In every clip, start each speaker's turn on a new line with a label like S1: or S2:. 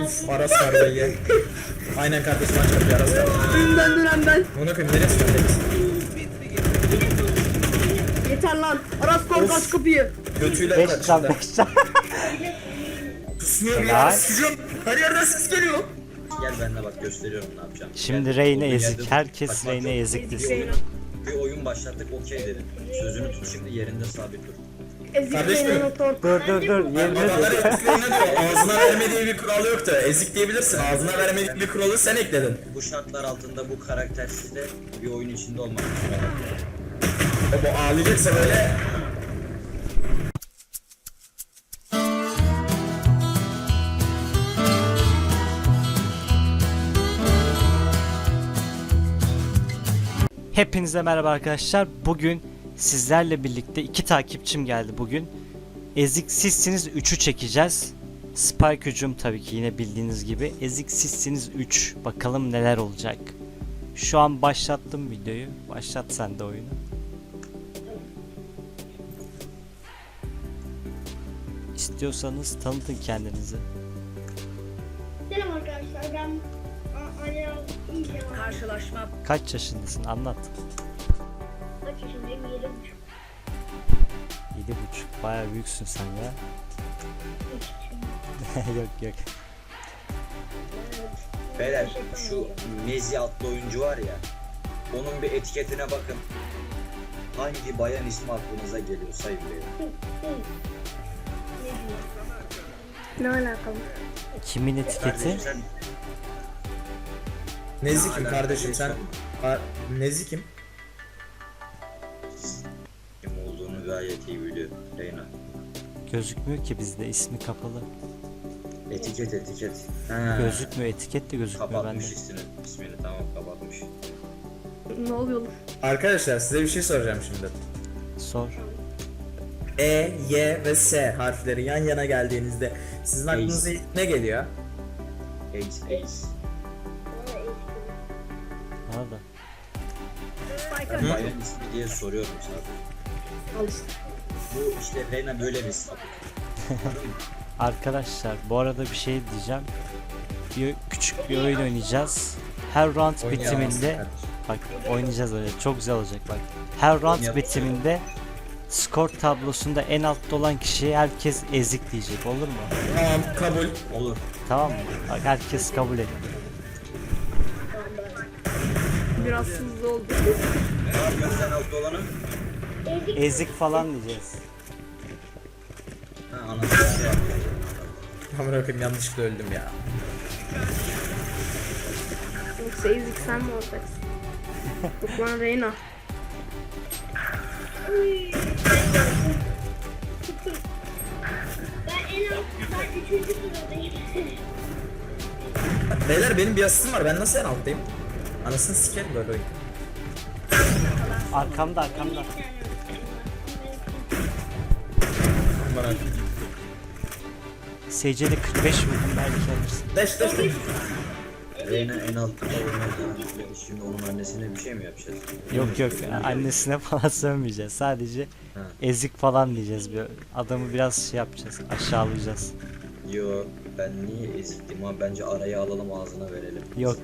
S1: Uf, Aras kardeşi. Aynen kardeşim, aç kapıyı Aras kardeşi.
S2: Önden dönen ben.
S1: Bunu koyayım, neresi öndeyiz?
S2: Yeter lan. Aras kork aç kapıyı.
S1: Götüyle
S3: 5 can
S1: kaçtı.
S3: 5 can.
S1: Kusmuyor bir
S3: Helal.
S1: yer, sıcak. Her yerden ses geliyor.
S4: Gel benimle bak, gösteriyorum ne yapacağım.
S3: Şimdi
S4: Gel.
S3: Reyne
S4: Olduğun
S3: ezik.
S4: yerde
S3: Herkes
S4: kaçmak
S3: Reyne
S4: yok.
S3: ezik
S4: Bir
S3: desin.
S4: oyun, bir oyun başlattık, okey dedin. Sözünü tut, şimdi yerinde sabit dur.
S1: Kardeşim.
S2: Ezikleyen otor.
S3: Dur yerine
S1: Babaları
S3: dur.
S1: ezikliğine diyor. Ağzına vermediği bir kural yoktu. Ezik diyebilirsin. Ağzına vermediği bir kuralı sen ekledin.
S4: Bu şartlar altında bu karaktersizle bir oyun içinde olmak.
S1: Bu ağlayacaksa böyle.
S3: Hepinize merhaba arkadaşlar. Bugün sizlerle birlikte 2 takipçim geldi bugün. Ezik sizsiniz 3'ü çekeceğiz. Spike hücum tabii ki yine bildiğiniz gibi. Ezik sizsiniz 3. Bakalım neler olacak. Şu an başlattım videoyu. Başlat sen de oyunu. İstiyorsanız tanıtın kendinizi.
S5: Selam arkadaşlar, ben Anya İlke var.
S2: Karşılaşma.
S3: Kaç yaşındasın? Anlat.
S5: Kaç yaşındayım? 7,5.
S3: 7,5. Bayağı büyüksün sen ya. Yok.
S4: Beyler, şu Nezi adlı oyuncu var ya, onun bir etiketine bakın. Hangi bayan ismi aklınıza geliyor sayın beyler?
S5: Ne alakalı?
S3: Kimin etiketi?
S4: Kardeşim sen
S1: Nezikim kardeşim sen. Nezikim.
S4: kim olduğunu gayet iyi biliyor Reyna.
S3: Gözükmüyor ki bizde, ismi kapalı.
S4: Etiket. Ha.
S3: Gözükmüyor, etiket de gözükmüyor bende.
S4: Kapatmış ismini, tamam kapatmış.
S2: Ne oluyor lan?
S1: Arkadaşlar size bir şey soracağım şimdi.
S3: Sor.
S1: E, Y ve S harfleri yan yana geldiğinizde sizin aklınıza ilk ne geliyor?
S4: Ace.
S3: Bana da.
S4: Ben bayan ismi diye soruyorum sadece.
S2: Al işte.
S4: Bu işte Reyna böyle bir sapık.
S3: Arkadaşlar bu arada bir şey diyeceğim. Küçük bir oyun oynayacağız. Her round bitiminde bak oynayacağız öyle, çok güzel olacak bak. Her round bitiminde skor tablosunda en altta olan kişiye herkes ezik diyecek, olur mu?
S1: Tamam, kabul.
S4: Olur.
S3: Tamam mı? Bak herkes kabul et.
S2: Biraz hızlı oldu.
S4: Gözden altta olanı.
S3: Ezik falan diyeceğiz.
S4: Ha, anasını şey yaptı.
S1: Tamam, bakayım yanlışlıkla öldüm ya.
S2: Yoksa ezik sen mi olacaksın? Yok lan Reyna.
S5: Ben 3. sıradayım.
S1: Beyler benim bir asistim var, ben nasıl en alttayım? Anasını sikerim böyle oyun.
S3: Arkamda.
S1: Bana.
S3: SC'de 45 vurdum, belki alırsın.
S1: Deş.
S4: Reyna en altta oynadı. Şimdi onun annesine bir şey mi yapacağız?
S3: Yok annesine falan sövmeyeceğiz. Sadece
S4: Ha.
S3: ezik falan diyeceğiz. Adamı biraz şey yapacağız. Aşağılayacağız.
S4: Yo, ben niye eziktim ama bence araya alalım, ağzına verelim.
S3: Yok.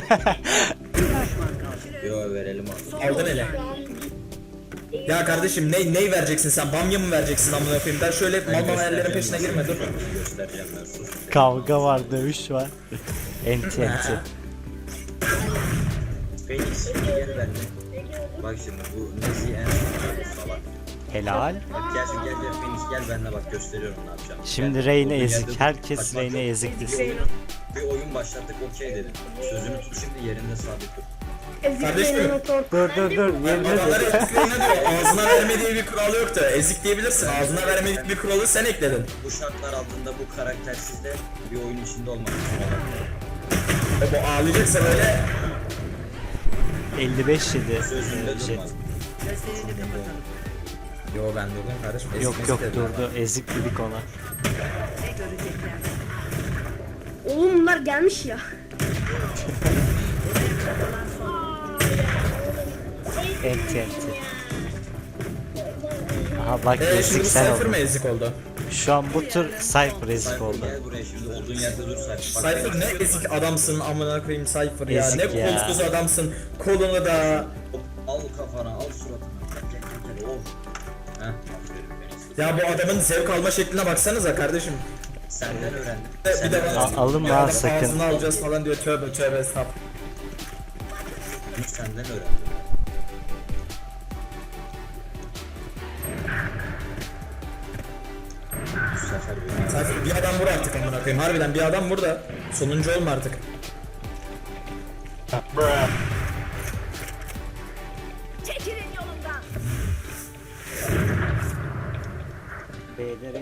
S4: Yo, verelim ağzına.
S1: Aldın ele. Ya kardeşim ne vereceksin sen? Bamya mı vereceksin amına koyayım? Ben şöyle mal hayallerin peşine girme dur.
S4: Göstereceğim ben, sus.
S3: Kavga var, dövüş var. Enti.
S4: Phoenix gel benimle. Bak şimdi bu Nezi en salak.
S3: Helal.
S4: Bak gel Phoenix gel benimle, bak gösteriyorum ne yapacağım.
S3: Şimdi
S4: Gel.
S3: Reyne
S4: Olduğun
S3: ezik.
S4: yerde
S3: Herkes
S4: kaçmak
S3: Reyne
S4: yok.
S3: ezik desin.
S4: Bir oyun başlattık, okey dedin. Sözünü tut, şimdi yerinde sabit dur.
S2: Ezikleyen
S1: Kardeşim.
S2: otor.
S3: Dur yerine
S1: Babaları
S3: dur.
S1: ezikliğine diyor. Ağzına vermediği bir kural yoktu. Ezik diyebilirsin. Ağzına vermediği bir kuralı sen ekledin.
S4: Bu şartlar altında bu karaktersizle bir oyun içinde olmak.
S1: Bu ağlayacaksa böyle.
S3: 55 yedi.
S4: Sözünde
S3: Jet.
S4: durma.
S1: Yo ben durdum kardeşim. Ezik
S3: Yok
S1: mezik dedim.
S3: durdu. Ezik dedik ona.
S2: Oğlum bunlar gelmiş ya.
S3: Enti. Aha bak
S1: Şimdi
S3: ezik
S1: bu
S3: sen
S1: Cypher
S3: oldun.
S1: mı ezik oldu?
S3: Şu an bu tur Cypher ezik
S4: Cypher
S3: oldu.
S4: gel buraya şimdi olduğun yerde dur Cypher. Bak,
S1: Cypher ne ezik adamsın amına koyayım Cypher ya.
S3: Ezik
S1: Ne
S3: ya.
S1: kolsuz adamsın. Kolunu da.
S4: al kafana al suratına. Gel. Of. Heh, aferin benim.
S1: Ya bu adamın zevk alma şekline baksanıza kardeşim.
S4: Senden öğrendim.
S1: Bir de
S4: Senden
S1: bana
S4: öğrendim.
S3: Alınma
S1: ya
S3: ha,
S1: adam
S3: sakın.
S1: ağzını alacağız falan diyor, tövbe tövbe estağfurullah.
S4: Bunu senden öğrendim. Bu sefer beni
S1: Cypher bir adam vur artık amına koyayım. Harbiden bir adam vur da sonuncu olma artık.
S6: Çekilin yolumdan.
S3: B'lere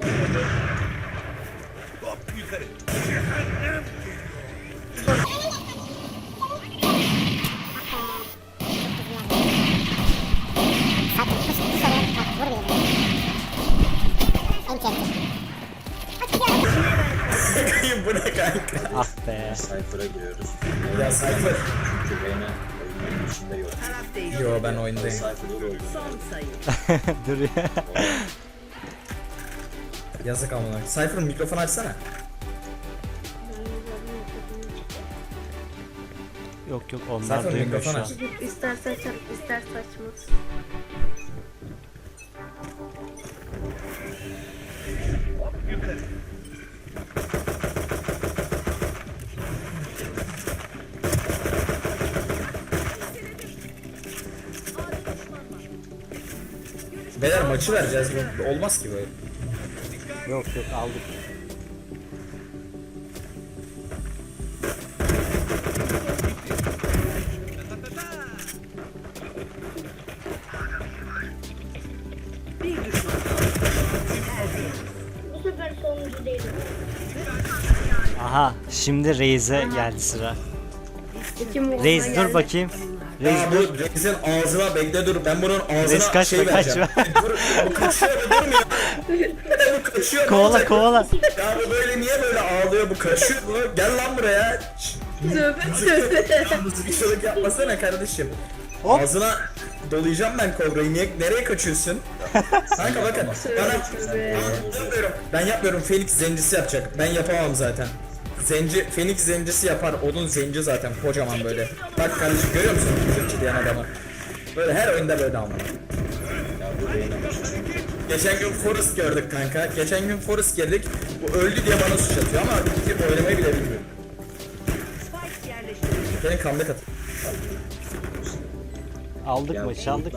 S1: Bu ne kanka?
S3: ah be.
S4: Cypher'a giriyoruz.
S1: Ya Cypher.
S4: Çünkü Reyna oyunun içinde yok.
S6: Taraf değil.
S1: Yo ben oyundayım.
S4: Cypher'da oldu.
S6: Son sayı.
S3: Dur ya.
S1: Yazık amına. Cypher'ın mikrofonu açsana.
S3: Yok onlar
S1: Cypher
S3: duymuyor
S1: mikrofon
S3: şu an.
S1: aç.
S2: İsterse açar, isterse açmaz.
S1: Beyler maçı vereceğiz. Olmaz ki böyle.
S3: Yok aldık.
S6: Bir düşman.
S5: Bu sefer sonuncu değilim.
S3: Aha şimdi Reis'e geldi sıra.
S2: İki Muğla'ya
S3: Reis dur
S2: geldi.
S3: bakayım. Reis
S1: Ya
S3: dur.
S1: bu Reis'in ağzına bekle dur. Ben bunun ağzına
S3: Reis kaçma,
S1: şey vereceğim.
S3: kaçma.
S1: Dur, bu kaçıyor bu durmuyor. Bu kaçıyor. ne
S3: Kovala
S1: olacak?
S3: kovala.
S1: Ya bu böyle niye böyle ağlıyor bu kaçıyor bu. Gel lan buraya. Şşş.
S2: Tövbe tövbe.
S1: Mızıkçılık yapmasana kardeşim.
S3: Hop.
S1: Ağzına dolayacağım ben kobrayı. Nereye kaçıyorsun? Kanka bakın. Ben yapmıyorum. Phoenix zencisi yapacak. Ben yapamam zaten. Phoenix zencisi yapar. Onun zenci zaten kocaman böyle. Bak kardeşim görüyor musun? Mızıkçı diyen adamı. Böyle her oyunda böyle ama.
S4: Ya bu Reyna
S1: Geçen gün Forrest gördük kanka. Geçen gün Forrest geldik. Bu öldü diye bana suç atıyor ama gidip oynamayı bile bilmiyor.
S6: Spike yerleştirildi.
S1: Benim comeback at.
S3: Aldık maçı aldık.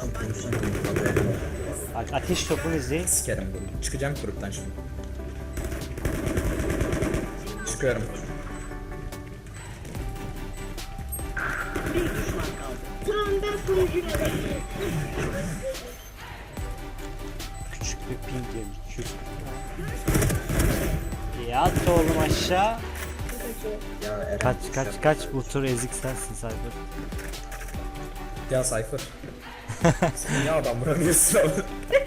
S3: Bak ateş topunu izleyin.
S1: Sikerim bunu. Çıkacağım gruptan şimdi. Çıkıyorum.
S6: Bir düşman kaldı.
S5: Tamam ben sonuncuyum.
S3: Küçük bir ping geldi. Yat oğlum aşağı.
S4: Ya Eren,
S3: Kaç bu tur ezik sensin Cypher.
S1: Ya Cypher. Sen niye adam vuramıyorsun abi?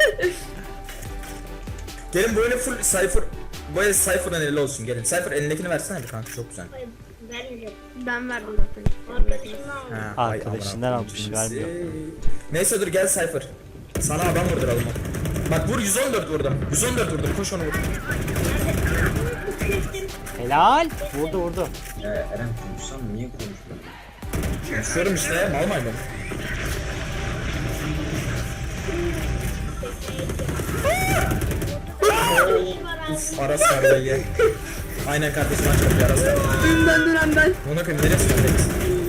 S1: Gelin böyle full Cypher. Böyle Cypher'ın eli olsun gelin. Cypher elindekini versene bir kanka çok güzel.
S5: Hayır, vermeyeceğim.
S2: Ben verdim zaten.
S5: Arkadaşımdan aldım.
S1: Ha, ay
S3: Arkadaşından
S1: amına
S3: almış,
S1: koyayım
S3: vermiyor.
S1: sizi. Neyse dur gel Cypher. Sana adam vurduralım. Bak vur 114 vurdum. 114 vurdum koş onu vur.
S3: Helal. Vurdu.
S4: Ya Eren konuşsam niye konuşmuyorsun?
S1: Konuşuyorum işte mal maymun. Uf Aras kardeşi ye. Aynen kardeşim aç kapıyı Aras kardeşi.
S2: Dünden ben.
S1: Ona koyayım neresi öndeyiz?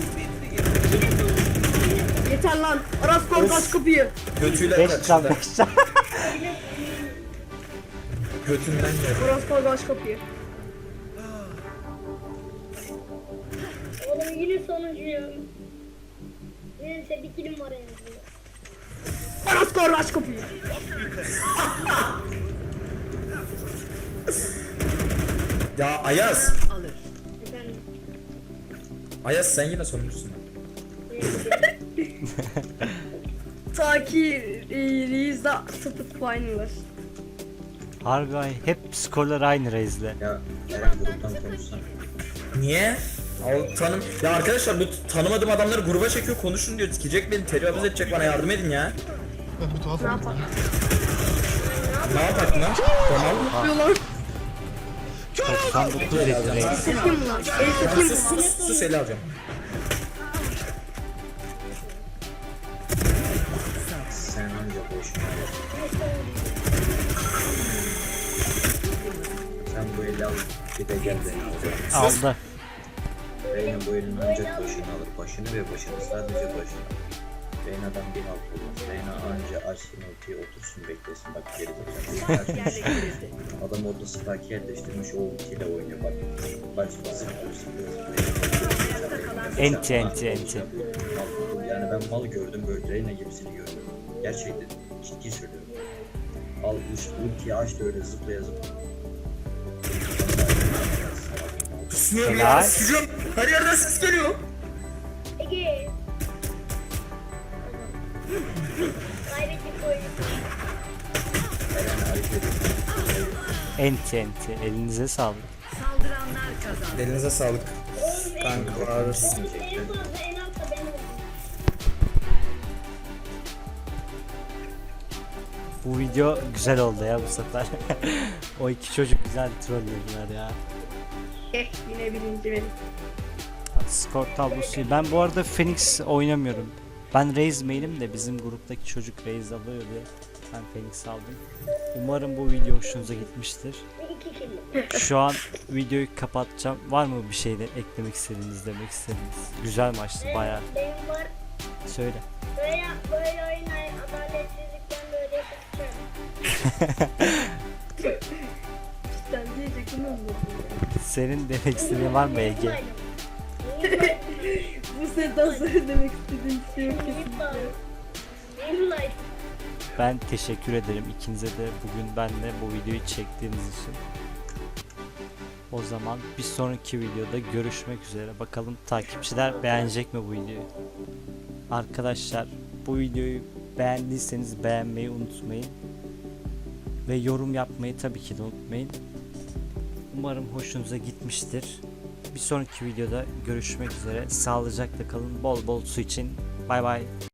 S2: Yeter lan. Aras kol aç kapıyı.
S1: Götüyle
S3: 5 can
S1: kaçtı.
S3: 5 can.
S1: Götünden geldi.
S2: Aras kol aç kapıyı.
S5: Oğlum yine sonuncuyum. Neyse bir kilim var en azından.
S2: Aras kol aç kapıyı.
S1: Ya Ayaz.
S6: Alır.
S5: Efendim.
S1: Ayaz sen yine sonuncusun.
S2: Ta ki Reis'de 0 puan var.
S3: Harbi ay, hep skorlar aynı Reis'le.
S4: Ya Eren gruptan konuşsana.
S1: Niye? Ya arkadaşlar bu tanımadığım adamları gruba çekiyor konuşun diyor. Sikecek beni tecavüz edecek bana yardım edin ya.
S2: Ne yapalım?
S1: Ne yapak lan? Tamam.
S2: Yapıyorlar.
S3: 99 dedi Reis.
S2: Satayım mı lan? El satayım mı?
S1: Sus eli alacağım.
S4: Sen anca boşuna ver. Sen bu eli al. Bir de gel beni al.
S3: Aldı.
S4: Reyna bu elin ancak başını alır. Başını ve başını, sadece başını. Reyna'dan bir halt olmaz. Reyna anca açsın ultiyi, otursun beklesin. Bak geri
S6: Spike
S4: bakacak.
S6: yerleştirildi.
S4: Adam orada spike yerleştirmiş, o ultiyle oynuyor. Bak zıplıyor.
S3: Enti.
S4: Yani ben mal gördüm, böyle Reyna gibisini gördüm. Gerçekten ciddi söylüyorum. Al ultiyi aç da öyle zıplaya.
S1: Susmuyorum
S3: Helal.
S1: ya. Susuyorum. Her yerden ses geliyor.
S5: Ege. Kaybettik oyunu.
S4: Reyna ayıp ediyor.
S3: Enti. Elinize sağlık.
S6: Saldıranlar kazandı.
S1: Elinize sağlık. Kanka ağrısı.
S5: En fazla en altta ben oldum.
S3: Bu video güzel oldu ya bu sefer. O iki çocuk güzel trollüyorlar ya.
S2: Yine birinci benim.
S3: Skor tablosu. Ben bu arada Phoenix oynamıyorum. Ben Raze main'im de bizim gruptaki çocuk Raze alıyor diye ben Phoenix aldım. Umarım bu video hoşunuza gitmiştir.
S5: 2 kill.
S3: Şu an videoyu kapatacağım. Var mı bir şey de eklemek istediğiniz, demek istediğiniz? Güzel maçtı bayağı.
S5: Benim var.
S3: Söyle.
S5: Böyle oynayın. Adaletsizlikten böyle yapacağım.
S2: Cidden diyecektim onu.
S3: Senin demek istediğin var mı Ege?
S2: Bu sefer sonra demek istediğim şey yok kesinlikle.
S5: Benim life.
S3: Ben teşekkür ederim ikinize de bugün benimle bu videoyu çektiğiniz için. O zaman bir sonraki videoda görüşmek üzere. Bakalım takipçiler beğenecek mi bu videoyu? Arkadaşlar bu videoyu beğendiyseniz beğenmeyi unutmayın. Ve yorum yapmayı tabii ki de unutmayın. Umarım hoşunuza gitmiştir. Bir sonraki videoda görüşmek üzere. Sağlıcakla kalın. Bol bol su için. Bay bay.